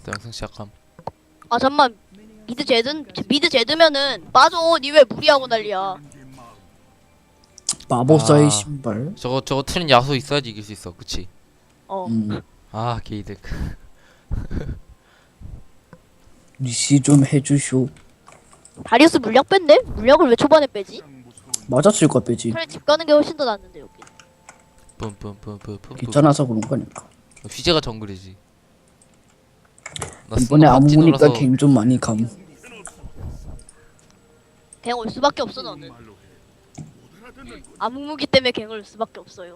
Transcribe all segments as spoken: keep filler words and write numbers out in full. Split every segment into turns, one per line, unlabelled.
또 영상 시작함.
아 잠만 미드 제든 미드 제드면은 빠져. 니 왜 무리하고 난리야.
마법사의
아.
신발.
저거 저거 트린 야수 있어야지 이길 수 있어. 그치?
어
음.
아 게이득.
리시 좀 해주쇼.
다리우스 물약 뺐네? 물약을 왜 초반에 빼지?
맞았을 것 빼지.
차라리 집 가는 게 훨씬 더 낫는데 여기.
뿜뿜뿜뿜뿜.
귀찮아서 그런 거니까.
휘재가 정글이지. 나
이번에
스노우 팝지
아무니까
눌러서
갱 좀 많이 감.
갱 올 수밖에 없어 너는. 암흑무기 때문에 갱 올 수밖에 없어요.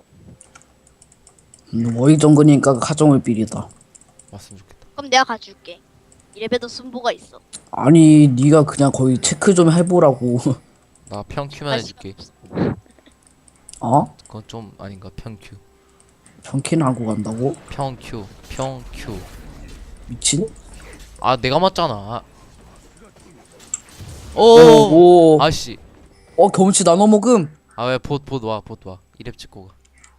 음, 워익 정근이니까 가정을 삐리다.
왔으면 좋겠다.
그럼 내가 가줄게. 이래봬도 순보가 있어.
아니 네가 그냥 거의 체크 좀 해보라고.
나 평큐만 해줄게.
어?
그건 좀 아닌가? 평큐.
정킨 하고 간다고?
평큐. 평큐.
미친?
아 내가 맞잖아.
어,
오.
뭐.
아씨.
어 경치 나눠 먹음.
아 왜 봇 봇 와 봇 와. 이랩 찍고 가.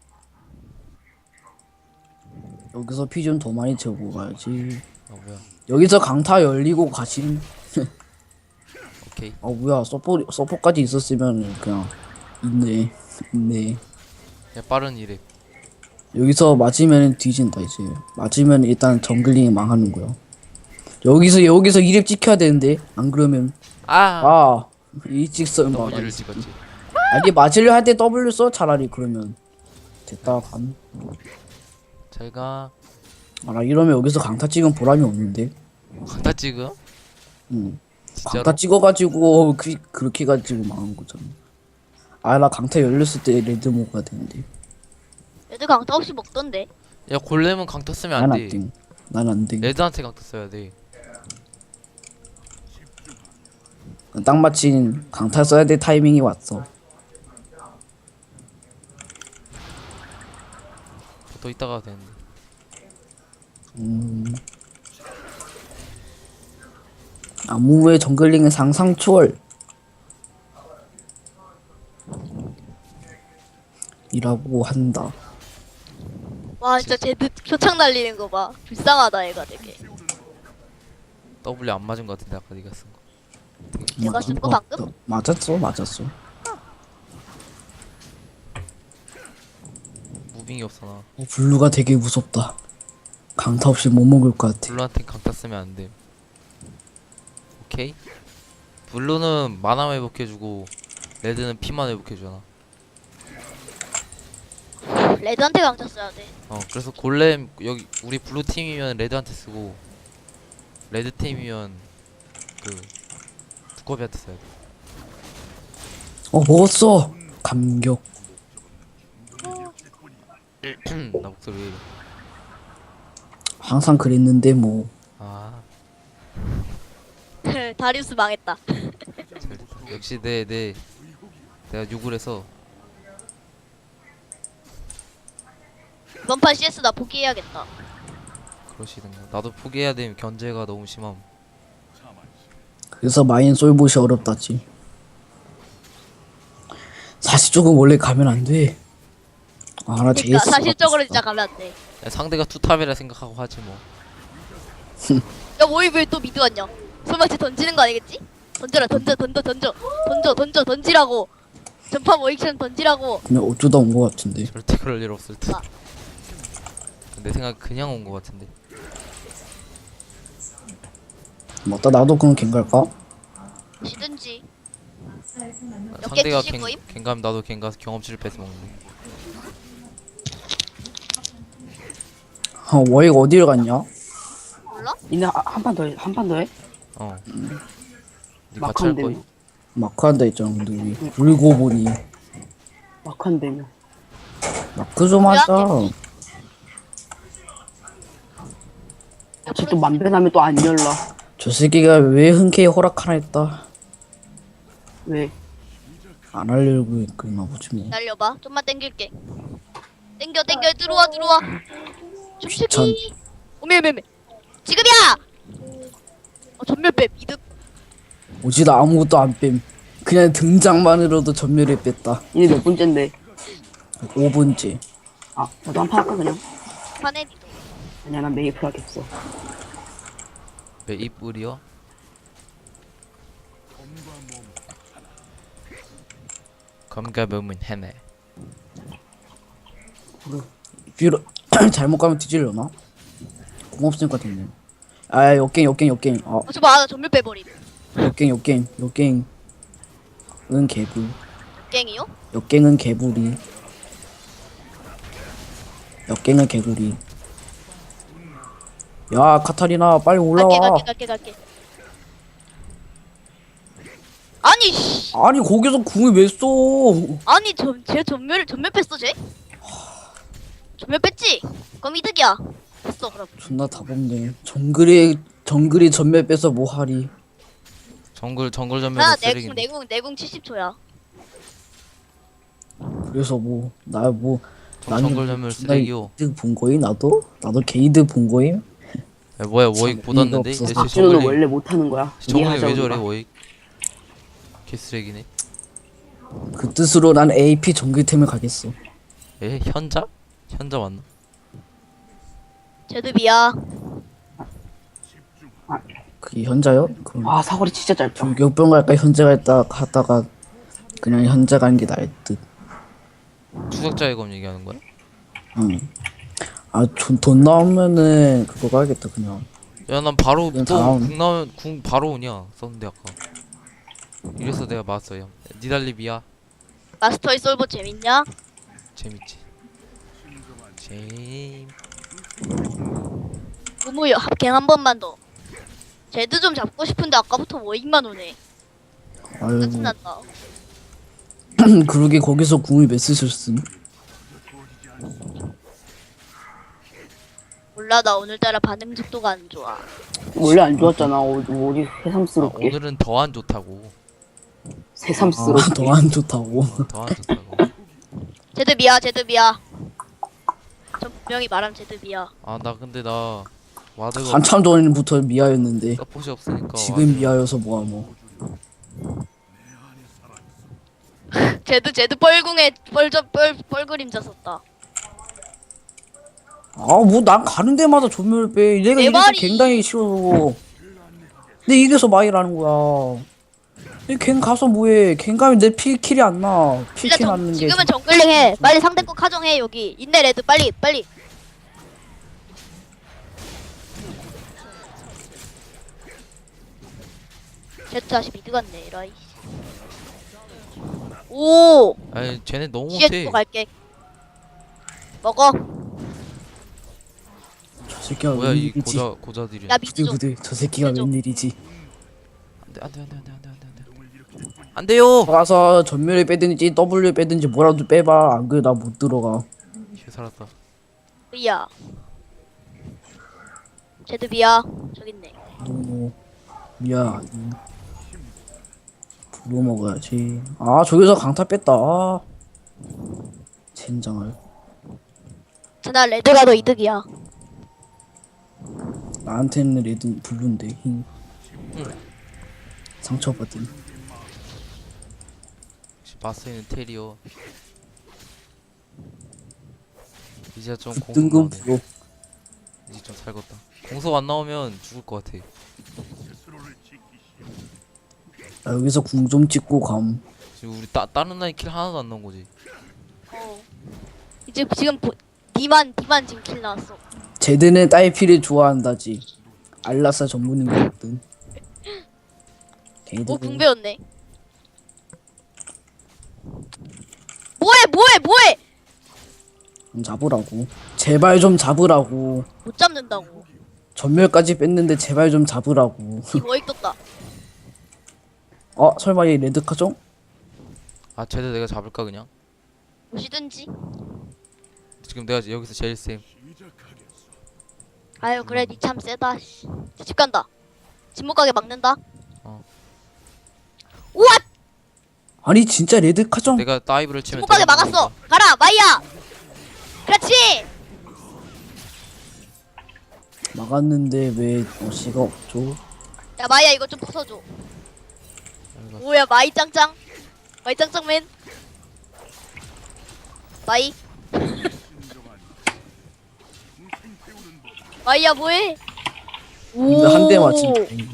여기서 피 좀 더 많이 채우고 가야지.
아 뭐야.
여기서 강타 열리고 가심.
오케이.
아 뭐야 서포 서포까지 있었으면 그냥 있네 있네.
야 빠른 이랩.
여기서 맞으면 뒤진다 이제. 맞으면 일단 정글링이 망하는 거야. 여기서 여기서 이랩 찍혀야 되는데 안 그러면
아.
아 일직선 막아.
W를 찍었지.
아니 맞으려 할 때 W 써 차라리. 그러면 됐다 감.
잘가.
아나 이러면 여기서 강타 찍은 보람이 없는데.
강타 찍음?
응.
진짜로?
강타 찍어가지고 그 그렇게 가지고 망한 거잖아. 아 나 강타 열렸을 때 레드 먹어야 되는데.
애들 강타 없이 먹던데.
야 골렘은 강타 쓰면
난
안
안
돼.
돼. 난 안 돼.
레드한테 강타 써야 돼.
딱 마침 강타 써야 될 타이밍이 왔어.
더 있다가 되는데.
음. 아무의 정글링은 상상 초월. 이라고 한다.
와 진짜 제드 표창 날리는 거 봐. 불쌍하다 얘가 되게.
W 안 맞은 거 같은데 아까 네가 쓴 거.
내가 쓴 거
맞-
방금?
맞았어, 맞았어.
무빙이 없어 나.
어, 블루가 되게 무섭다. 강타 없이 못 먹을 것 같아.
블루한테 강타 쓰면 안 돼. 오케이? 블루는 만화 회복해주고 레드는 피만 회복해주잖아.
레드한테 강타 써야 돼.
어 그래서 골렘 여기 우리 블루 팀이면 레드한테 쓰고 레드 팀이면 그 두꺼비한테 써야 돼.
어 먹었어. 감격.
나 목소리 왜 이래.
항상 그랬는데 뭐.
아
다리우스 망했다.
잘됐다. 역시 내 내 내가 욕을 해서.
이번 판 씨에스 나 포기해야겠다.
그러시던가. 나도 포기해야 돼. 견제가 너무 심함.
그래서 마인 솔봇이 어렵다지. 사실 조금 원래 가면 안 돼. 아 나
그러니까
제이스.
사실적으로 진짜 가면 안 돼.
야, 상대가 투탑이라 생각하고 하지 뭐.
야 뭐이 왜 또 미드 왔냐? 설마 쟤 던지는 거 아니겠지? 던져라 던져 던져 던져 던져 던져 던지라고. 전파 모익션 던지라고.
그냥 어쩌다 온 거 같은데.
절대 그럴 일 없을 듯.
아.
내 생각 그냥 온 거 같은데.
맞다 나도 그럼 갱 갈까?
시든지.
아,
몇 개
상대가
드실
갱,
거임?
갱 가면 나도 갱 가서 경험치를 뺏어 먹는데.
어 워익 어디를 갔냐?
몰라?
니네 한 판 더 해? 한 판 더 해?
어.
음.
니 같이 할 거야?
막한대며
마크 한다 했잖아 근데 우리. 울고 보니
막한대며
마크 좀 하자.
다시 또 만배나면 또 안 열라.
저 새끼가 왜 흔쾌히 허락하나 했다.
왜?
안 하려고 했구나 보지 뭐.
날려봐. 좀만 땡길게. 땡겨 땡겨 들어와 들어와.
귀찮.
춤추기. 오메 오메 오메. 지금이야. 어 전멸 뱀 이득.
오지 나 아무것도 안 뺨. 그냥 등장만으로도 전멸을 뺐다.
니네 몇 번째인데?
오 번째.
아 나도 한 판 할까 그냥?
파네리도.
아니야 난 메이플 하겠어.
왜 이뿔이요? 검과 몸은 하나.
뒤로 잘못 가면 뒤질려나? 공 없으니까 됐네. 아 역갱 역갱 역갱. 아
어, 저봐, 나 전멸 빼버림.
역갱 역갱 역갱. 은 개불.
갱이요?
역갱은 개불이. 역갱은 개구리. 야 카타리나 빨리
갈게,
올라와.
갈게, 갈게, 갈게. 아니, 씨.
아니 거기서 궁을 왜 써?
아니, 전, 쟤 전멸, 전멸 뺐어, 쟤? 전멸 뺐지? 그럼 이득이야. 됐어, 그럼.
존나 답없네. 정글이 정글이 전멸 빼서 뭐하리.
정글 정글 전멸
나
쓰레기.
내궁, 내궁, 내궁 칠십 초야.
그래서 뭐 나 뭐
정글 전멸 쓰레기요.
이득 본 거임 나도? 나도 개이득 본 거임?
야, 뭐야 워익
참,
보았는데?
의미가 없어서.
쟤
박진호는
정글링
원래 못하는 거야.
정글링 왜
이해하자고
저래
봐.
워익? 개쓰레기네.
그 뜻으로 난 에이피 정글템을 가겠어.
에 현자? 현자 맞나?
제드비야.
그게 현자요? 그럼
아 사거리 진짜 짧다.
불교병 갈까 현자 갈까 하다가 그냥 현자 가는 게 나을 듯.
추적자의 검 얘기하는 거야?
응. 아돈 나오면은 그거 가야겠다 그냥.
야 난 바로
그냥
또
다음.
궁 나오면 궁 바로 오냐 썼는데 아까. 이래서 내가 맞았어요. 니달리비야
마스터의 솔버 재밌냐?
재밌지. 재임.
무무요, 합갱 한 번만 더. 제드 좀 잡고 싶은데 아까부터 워익만 오네.
아이고
짜증난다.
그러게 거기서 궁을 몇 쓰셨음?
몰라, 나 오늘따라 반응 속도가 안 좋아.
원래 안 좋았잖아. 어, 어디
아,
새삼스럽게.
오늘은 더 안 좋다고.
새삼스럽게.
아더 안 좋다고.
더 안 좋다고.
제드비야, 제드비야. 전 분명히 말함 제드비야.
아 나 근데 나 와드가
한참 전부터 미아였는데
서폿이 없으니까
지금 미아여서 뭐야 뭐.
제드, 제드 뻘궁에 뻘저, 뻘, 뻘그림자 썼다.
아 뭐 난 가는 데마다 조멸 빼. 내가
내
이래서
말이-
갱당이 싫어. 근데 이래서 마이라는 거야. 갱 가서 뭐해? 갱 가면 내 필킬이 안 나.
일단
필킬
정,
맞는 게.
지금은 정글링 해. 빨리 상대 거 카정해, 여기. 인내 레드, 빨리, 빨리. 제트 다시 미드 갔네, 라이. 오!
아니 쟤네 너무
뒤에
못해.
또 갈게. 먹어.
저 새끼가
뭐야 이
웬일이지?
고자 고자들이.
야, 미드 좀.
부들부들 저 새끼가
해줘.
웬일이지?
안돼 안돼 안돼 안돼 안돼 안돼 안 돼요.
가서 전멸을 빼든지 W 빼든지 뭐라도 빼봐. 안 그래 나 못 들어가.
쟤 살았다.
으야. 제드비야. 저기 있네.
너무 미안. 불로 먹어야지. 아 저기서 강타 뺐다. 아. 젠장을.
나 레드가 더 이득이야.
나한테는 레드 블루인데 흰. 상처받은.
바스에는 테리어. 이제 좀 공속
등급
나오네.
프로.
이제 좀 살겄다. 공속 안 나오면 죽을 것 같아.
나 여기서 궁 좀 찍고 감.
지금 우리 따 다른 나이 킬 하나도 안 나온 거지.
어. 이제 지금 보, 니만, 니만 지금 킬 나왔어.
제드는 딸피를 좋아한다지. 알라사 전문인거든.
오, 궁 배웠네. 뭐해, 뭐해, 뭐해!
좀 잡으라고. 제발 좀 잡으라고.
못 잡는다고.
전멸까지 뺐는데 제발 좀 잡으라고.
이 워익 떴다.
어 설마 얘 레드 카정?
아 쟤들 내가 잡을까 그냥?
보시든지.
지금 내가 여기서 제일 쌤.
아유, 그래, 니 참 세다. 씨. 집 간다. 집 못 가게 막는다.
어.
우와!
아니 진짜 레드 카정?
내가 다이브를
집
치면
못 가게
되는
막았어.
거니까.
가라, 마이야! 그렇지!
막았는데 왜 어시가 없죠?
야, 마이야, 이거 좀 부숴줘. 뭐야, 마이 짱짱. 마이 짱짱맨. 마이. 마이야, 뭐해?
근데 한 대 맞지.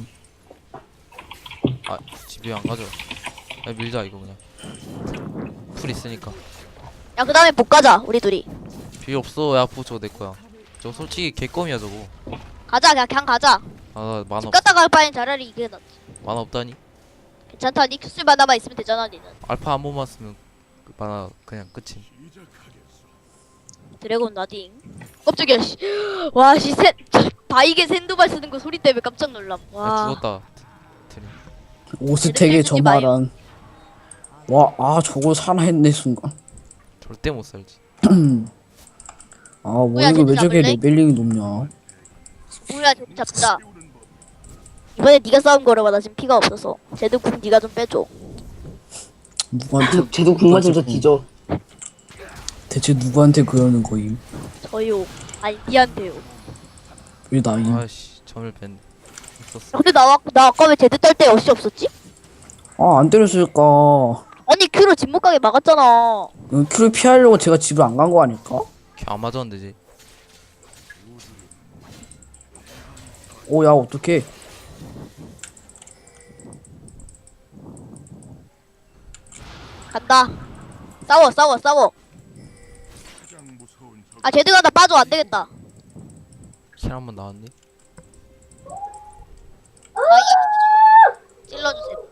아 집에 안 가져. 야 밀자 이거 그냥. 풀 있으니까.
야, 그 다음에 못 가자, 우리 둘이.
필요 없어. 야 부 저거 내 거야. 저거 솔직히 개껌이야 저거.
가자, 그냥, 그냥 가자.
아 만화
집
없,
갔다 갈 바엔 차라리 이게 낫지.
만화 없다니.
괜찮다, 니 큐스 만화만 있으면 되잖아, 니는.
알파 한 번만 쓰면 그 만화 그냥 끝임.
드래곤 나딩. 깜짝이야, 씨. 와, 씨, 셋. 바이게 샌드발 쓰는 거 소리 때문에 깜짝 놀람.
야
와.
죽었다. 드림.
오스텍의 저
마요.
말한. 와, 아 저걸 살아했네 순간.
절대 못 살지.
아, 뭐
뭐야,
이거 왜
쟤들
저게
잡을래?
레벨링이 높냐?
뭐야, 쟤 잡자. 이번에 네가 싸운 거라 나 지금 피가 없어서. 쟤도 궁 네가 좀 빼줘.
누구한테
쟤도 궁 맞으면서 뒤져.
대체 누구한테 그러는 거임?
저요. 아니, 니한테요.
왜 나임?
아씨 점을 뺀. 있었어.
야, 근데 나, 아- 나 아까 왜 제드 딸 때 어시 없었지?
아, 안 때렸을까?
아니, 큐로 집 못 가게 막았잖아.
그 큐를 피하려고 제가 집을 안 간 거 아닐까?
걔안 맞았는데 지.
오, 야, 어떡해.
간다. 싸워, 싸워, 싸워. 아, 제드가 나 빠져. 안 되겠다.
킬 한 번 나왔니?
아, 이 찔러주세요.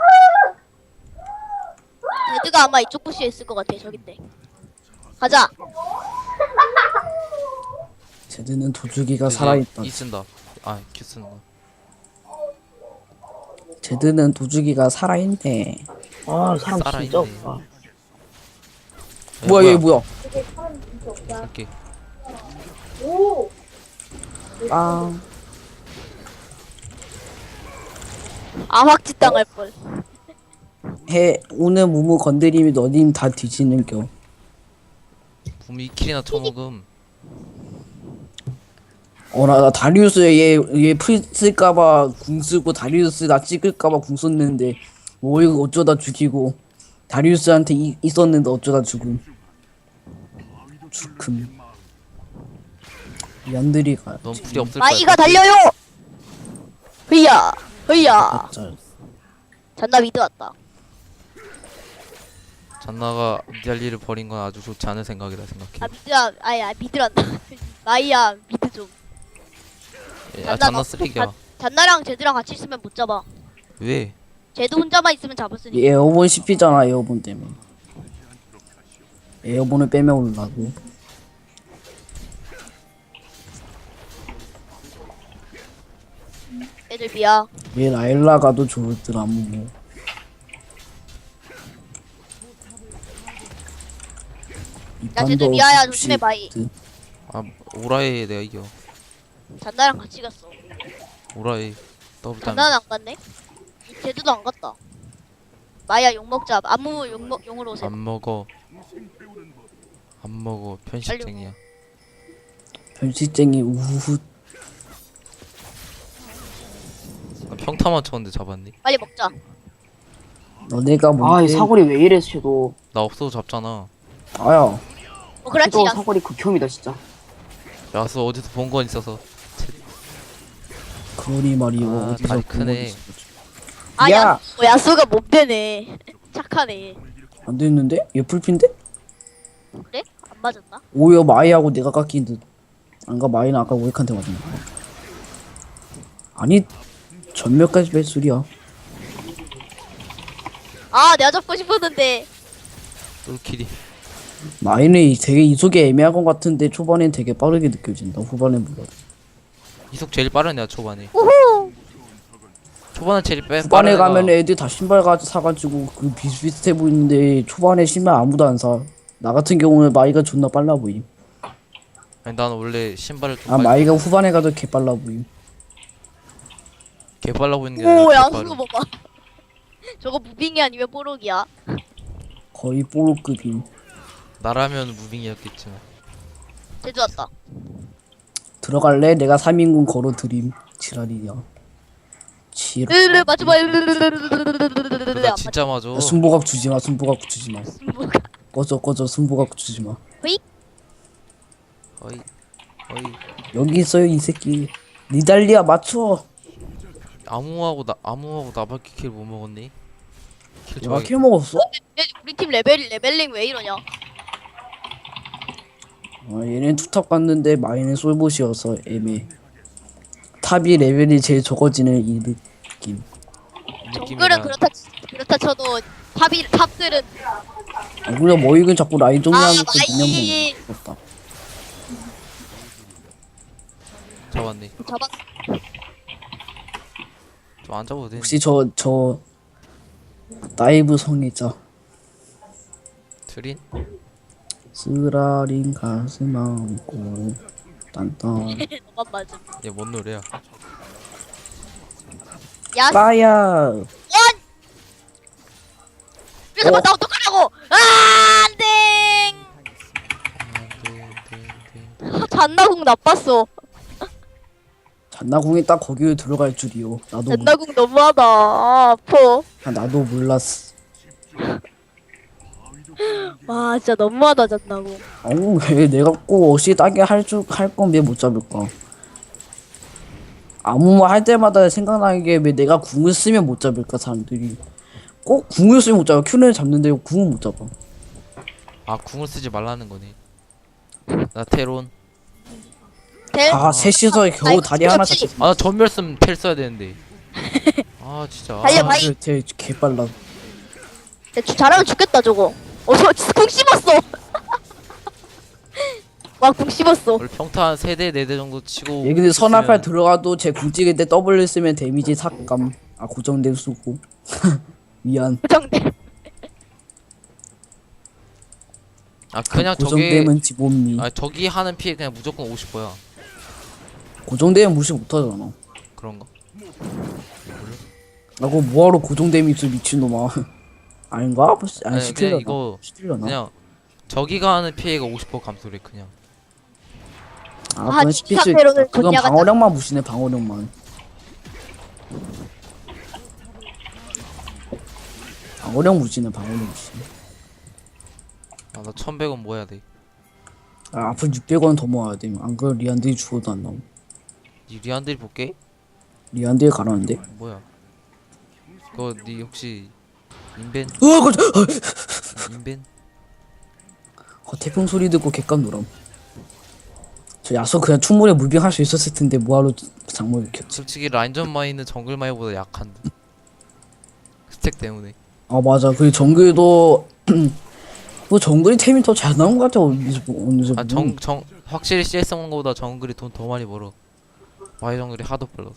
제드가 아마 이쪽 부시에 있을 것 같아. 저긴데. 가자.
제드는 도주기가
이제
살아있다.
이 쓴다. 아큐 쓰는 거.
제드는 도주기가 살아있네.
아 사람
살아있네.
진짜 없다.
야,
뭐야, 얘 뭐야?
이렇게.
아,
아, 확지 당할 걸.
해, 오늘 무무 건드림이 너님 다 뒤지는 겨.
붐이 킬이나 쳐먹음.
어, 나, 나 다리우스 얘, 얘풀 쓸까봐 궁 쓰고 다리우스 나 찍을까봐 궁 썼는데, 뭐 이거 어쩌다 죽이고, 다리우스한테 이, 있었는데 어쩌다 죽음. 죽음. 얀드리가.
넌 풀이 없을 거야.
마이가 달려요. 흐야, 흐야.
짤.
잔나 미드 왔다.
잔나가 미달리를 버린 건 아주 좋지 않은 생각이다 생각해.
아, 미드야, 아니, 아, 미드란다. 마이야, 미드 좀.
야
잔나
잔나
너-
쓰레기야.
잔- 잔나랑 제드랑 같이 있으면 못 잡아.
왜?
제드 혼자만 있으면 잡았으니까.
얘 에어본 씹히잖아, 에어본 때문에. 에어본을 빼면 올라고.
애들 미야.
얘 라일라 가도 좋더라, 뭐.
야, 쟤도 미아야, 조심해, 마이.
아 오라에 내가 이겨.
잔나랑 같이 갔어.
오라에 더블 타임.
잔나는 안 갔네? 제드도 안 갔다. 마이야, 욕 먹자. 아무 욕 먹, 용으로 오세요.
안 먹어. 안 먹어. 편식쟁이야.
변시쟁이 우후.
나 평타만 쳤는데 잡았니?
빨리 먹자.
너네가
아이
뭔데?
사거리 왜 이래 쟤도.
나 없어도 잡잖아.
아야.
어, 그렇지.
쟤도
야,
사거리 극혐이다 진짜.
야수 어디서 본 건 있어서.
그러니 말이오.
아,
어디서
다리
본
크네.
거지?
아,
야!
야, 어, 야수가 못 되네. 착하네.
안 됐는데? 얘 풀핀데?
그래? 안 맞았나?
오히려 마이하고 내가 깎인 듯. 안가 마이는 아까 오익한테 맞았나? 아니 전멸까지 뺄 소리야.
아, 내가 잡고 싶었는데.
똘킬이.
마이는 되게 이속이 애매한 것 같은데 초반엔 되게 빠르게 느껴진다. 후반엔 몰라.
이속 제일 빠른 애야 초반에.
우후.
초반에 제일 빼.
후반에
빠른 애가-
가면 애들 다 신발 가 사가지고 그 비슷비슷해 보이는데 초반에 신발 아무도 안 사. 나 같은 경우는 마이가 존나 빨라 보임.
아니 나는 원래 신발을 좀
아
빨리-
마이가 후반에 가도 개 빨라 보임.
개 빨라 보이는 게
오,
아니라
야수
개 빠른.
봐봐. 저거 무빙이 아니면 뽀록이야.
거의 뽀로급임.
나라면 무빙이었겠지만.
제주 왔다.
들어갈래? 내가 삼 인군 걸어 드림. 지랄이야. 지랄.
으르르 맞지 마.
나 진짜 맞아.
야, 순보각 주지 마. 순보각 주지 마.
뭐가?
꺼져 꺼져. 순보각 주지 마.
어이 어이.
여기 있어요 이 새끼. 니달리아 맞춰.
아무하고 나 아무하고 나밖에 킬 못 먹었니? 킬
내가
좋아하겠.
킬 먹었어?
얘, 우리 팀 레벨 레벨링 왜 이러냐?
아, 얘는 투탑 갔는데 마이는 솔봇이어서 애매. 탑이 레벨이 제일 적어지는 이 느낌.
정글은 그렇다 그렇다 쳐도 탑이 탑들은
아, 그래 머이근 자꾸 라인 정리하는
아,
거
마이.
그냥 먹었다.
잡았네.
잡았.
좀 안 잡아도 돼.
혹시 저 저 다이브 성애자
트린?
쓰라린 가슴 안고 딴딴
너만 맞음.
얘 뭔 노래야?
야,
빠야.
왜 잡아 나 어떡하라고? 아, 안돼. 잔나궁 나빴어.
잔나궁이 딱 거기에 들어갈 줄이요. 나도 몰-
잔나궁 너무하다. 아, 아파.
아, 나도 몰랐어.
와, 진짜 너무하다 잔나궁.
어우 왜 내가 꼭 어시 따게 할줄할 건 왜 못 잡을까? 아무 말 할 때마다 생각나는 게 왜 내가 궁을 쓰면 못 잡을까 사람들이. 꼭 궁을 쓰면 못 잡아. 큐는 잡는데 궁은 못 잡아.
아 궁을 쓰지 말라는 거네. 나 테론.
대.
아 셋이서 겨우
아이고,
다리 하나
그렇지.
잡혔어.
아 나 전멸 쓰면 텔 써야 되는데. 아 진짜. 아,
달려, 바이.
쟤 개빨라.
야, 주- 잘하면 죽겠다 저거. 어, 저궁 씹었어. 와, 궁 씹었어.
원래 평타 한 세 대 네 대 정도 치고.
얘 근데 선알팔
있으면-
들어가도 쟤 궁 찍을 때 W 쓰면 데미지 삭감. 아 고정된 수고. 미안.
고정돼.
아 그냥 저게.
고정되면 지범미.
아 저기 하는 피해 그냥 무조건 오십 퍼야.
고정되면 무시 못하잖아.
그런가?
나 그거 뭐하러 고정됨이 있어 미친놈아. 아닌가? 아니
아니,
시킬려나?
그냥 이거
시킬려나?
그냥 저기가 하는 피해가 오십 퍼 감소래 그냥.
아
아,
그건
이
시킬 수
상태로는
있다. 그건
존냐가
방어력만 무시네 방어력만. 방어력 무시네 방어력 무시.
아나 천백 원 모아야 돼.
아 앞으로 육백 원 더 모아야 돼. 안 그러면 리안들이 죽어도 안 나옴.
이 리안들이 볼게.
리안들이 가라는데?
뭐야? 그거 니 혹시 인벤?
어, 그,
인벤?
어, 태풍 소리 듣고 객감 노람. 저 야수 그냥 충분히 무빙할 수 있었을 텐데 뭐하러 장모를 켰지?
솔직히 라인전 마이는 정글 마이보다 약한데. 스택 때문에.
아 맞아. 그 정글도 뭐 정글이 템이 더 잘 나온 것 같아. 어디서 보- 어디서
아
보면.
정 정 확실히 씨에스 먹는 거보다 정글이 돈 더 많이 벌어. 마이 정글이 하도 벌어.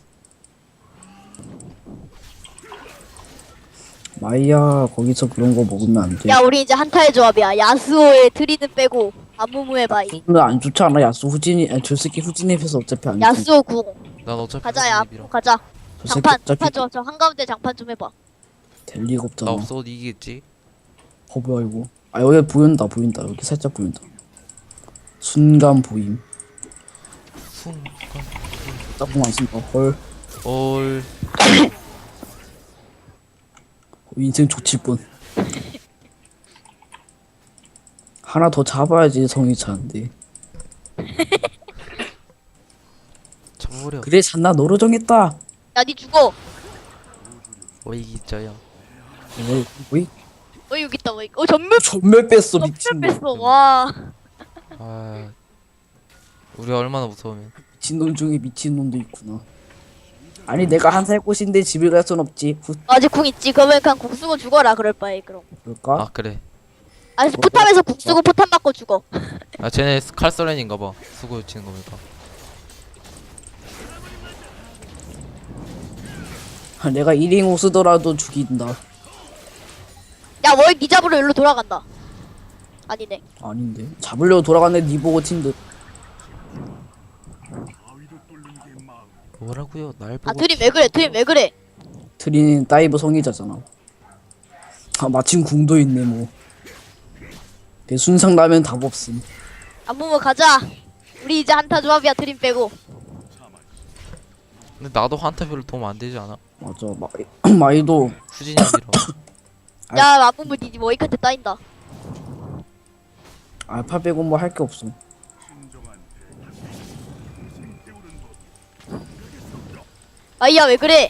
마이야 거기서 그런 거 먹으면 안 돼.
야, 우리 이제 한타의 조합이야. 야스오의 트리는 빼고 아무무의 바이.
근데 안 좋지 않아? 야수 후진이 아니 저 새끼 후진입해서 어차피 안 돼.
야스오 궁.
난 어차피
가자, 야.
후진입이라.
가자.
저 새끼
장판,
어차피
장판 줘. 저 한가운데 장판 좀 해봐.
될 리가
나
없잖아.
없어도 이기겠지.
어 뭐야 이거? 아 여기 보인다 보인다 여기 살짝 보인다. 순간 보임.
순간.
딱 보면 안 쓴다. 헐.
얼.
인생 좋칠 뻔. 하나 더 잡아야지 성이 차는데.
잡아버려.
그래 잔나 너로 정했다.
야, 니 죽어.
왜 이기자야.
어, 뭐이?
어, 여기 있다. 뭐, 어, 전멸,
전멸 뺐어 미친
전멸
놈.
뺐어. 와.
아. 우리 얼마나 무서우면.
미친 놈 중에 미친 놈도 있구나. 아니 내가 한 살 꽃인데 집을 갈 순 없지. 후,
아직 궁 있지. 그러면 그냥 궁 쓰고 죽어라. 그럴 바에 그럼.
그럴까?
아 그래.
아니, 포탑에서 궁 쓰고 포탑 맞고 죽어.
아 쟤네 칼서렌인가봐. 수고 치는 거니까.
아, 내가 일 인공 쓰더라도 죽인다.
야, 워익 니 잡으러 일로 돌아간다. 아니네.
아닌데 잡으려고 돌아갔는데 니 보고 튄 듯.
뭐라고요? 날 보고.
아, 트림 왜 그래? 트림 왜 그래?
트리는 다이브 성의자잖아. 아 마침 궁도 있네 뭐. 내 순상 나면 답 없음.
아무무 가자. 우리 이제 한타 조합이야. 트림 빼고.
근데 나도 한타 별로 도움 안 되지 않아?
맞아 마이 마이도
후진이랑.
아.
야, 아무무 니 워익한테 따인다.
알파 빼고 뭐 할 게 없어.
아이야 왜 그래?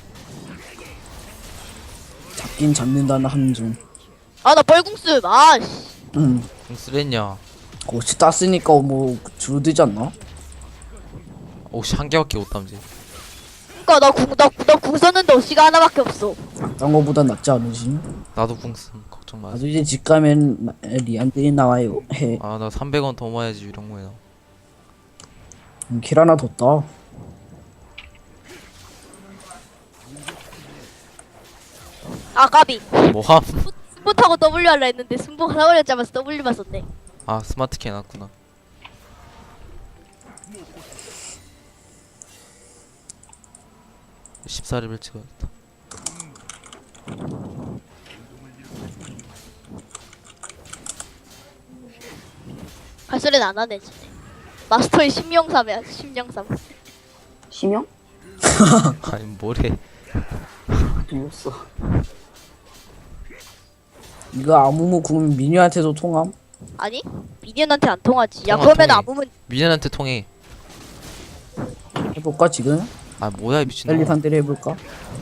잡긴 잡는다는 함중.
아 나 뻘궁수. 아씨.
응.
공 쓰랬냐?
혹시 땄으니까 뭐 줄어들지 않나?
혹시 한 개밖에 못 담지.
그니까 나궁나나궁 썼는데 어시가 하나밖에 없어.
딴 거보단 낫지 않으시?
나도 공 쓴. 걱정 마.
나도 이제 집 가면 마- 리안들이 나와요. 해.
아 나 삼백 원 더 모아야지 유령모에 나.
음, 킬 하나 더 따.
아 까비.
뭐함?
스포 타고 W 하려 했는데 순보 하나 걸렸자마자 W만 썼네.
아 스마트 키 해놨구나. 십사 레벨 찍어야겠다.
할 소리는 안 하네 진짜. 마스터의 심령삼이야 심령삼.
심형?
아니 뭐래.
들렸어.
이거 아무무 구면 미녀한테도 통함?
아니 미니언한테 안 통하지. 야
통화,
그러면
통해.
아무면
미연한테 통해.
해볼까 지금?
아 뭐야 이 미친놈.
빨리 상대를 해볼까?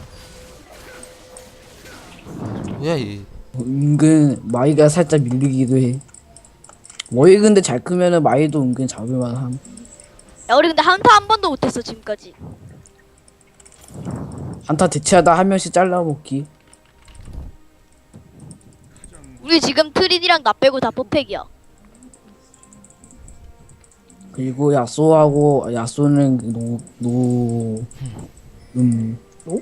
뭐야 이.
은근 마이가 살짝 밀리기도 해. 워이 근데 잘 크면은 마이도 은근 잡을만 함.
야 우리 근데 한타 한 번도 못했어 지금까지.
한타 대체하다 한 명씩 잘라먹기.
우리 지금 트리디랑 나 빼고 다 퍼펙이야.
그리고 야쏘하고 야쏘는 노노 음. 어?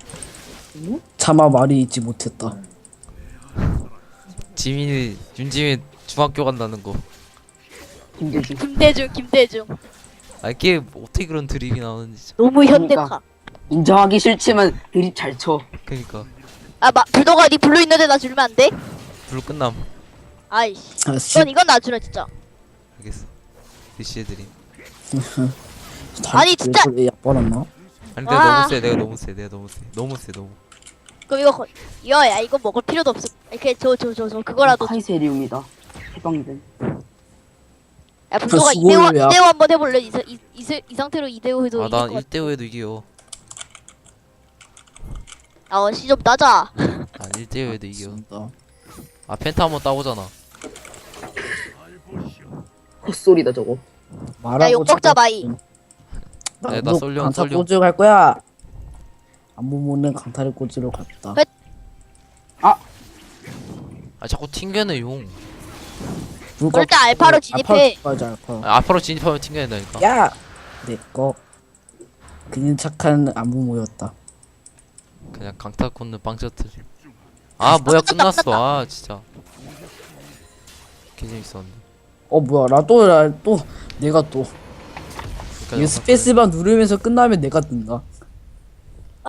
차마 말이 잊지 못했다.
지민이 윤지민 중학교 간다는 거.
김대중.
김대중 김대중.
아 이게 어떻게 그런 드립이 나오는지 진짜.
너무 현대화.
그러니까. 인정하기 싫지만 드립 잘 쳐.
그니까
아 마, 불도가 니 블루 있는데 나 주면 안 돼?
불 끝남.
아이씨.
아, 씨.
넌 이건 나 주라 진짜.
알겠어. 대시해 드림.
아니, 진짜!
약발았나?
아니 내가
와.
너무 세. 내가 너무 세. 내가 너무 세. 너무 세. 너무.
그럼 이거 거, 이거 야 이거 먹을 필요도 없어. 이렇게 저 저 저 저 그거라도. 줘.
카이세리움이다. 해방된.
야 불도가
수고를
이대호
왜
이대호 한번 해볼래? 이, 사- 이, 이, 세- 이 상태로 이대호 해도 이길
아난
것
일 대 오에도 이겨.
같아. 아 시 좀 따자.
난 일 대 오에도 이겨.
맞습니다.
아 펜타 한번 따보잖아.
헛소리다 저거.
말하고
욕 먹자,
찾아-
마이.
나,
야, 나
너
쏠려,
강타
쏠려.
꽂으러 갈 거야. 안무모는 강타를 꽂으러 갔다.
그-
아 자꾸 튕겨내 용.
불과-
일단 알파로 진입해.
알파로 가자, 알파.
아, 앞으로 진입하면 튕겨낸다니까.
야, 내꺼. 그는 착한 안무모였다.
그냥 강타 꽂는 빵셔틀. 아 뭐야
끝났다,
끝났어. 아 진짜. 개 재밌었는데.
어 뭐야, 나 또 나 또 내가 또
그러니까
이거 스페이스바 누르면서 끝나면 내가 뜬다.